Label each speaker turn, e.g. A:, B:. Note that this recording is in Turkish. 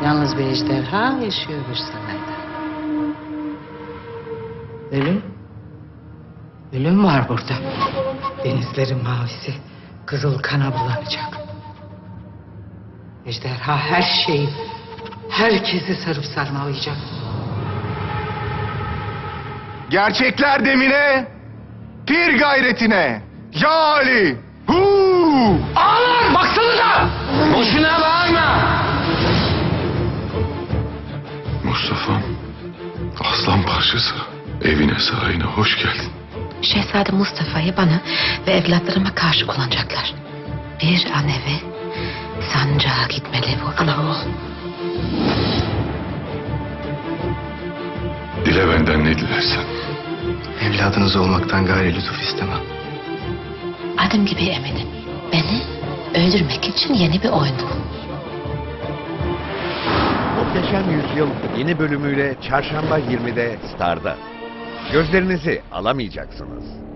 A: Yalnız bir ejderha yaşıyormuş sarayda. Ölüm. Ölüm var burada. Denizlerin mavisi kızıl kana bulanacak. Ejderha her şeyi, herkesi sarıp sarmalayacak.
B: Gerçekler demine, pir gayretine. Ya Ali! Hu!
C: Ağlar baksanıza! Boşuna bağırma!
D: Mustafa'm, aslan parçası. Evine, sarayına hoş geldin.
E: Şehzade Mustafa'yı bana ve evlatlarıma karşı kullanacaklar. Bir an evvel sancağa gitmeli bu ana oğul.
D: Dile benden ne dilersen.
F: Evladınız olmaktan gayri lütuf istemem.
E: Adım gibi eminim. Beni öldürmek için yeni bir oyun bu.
G: Muhteşem Yüzyıl yeni bölümüyle Çarşamba 20'de Star'da. Gözlerinizi alamayacaksınız.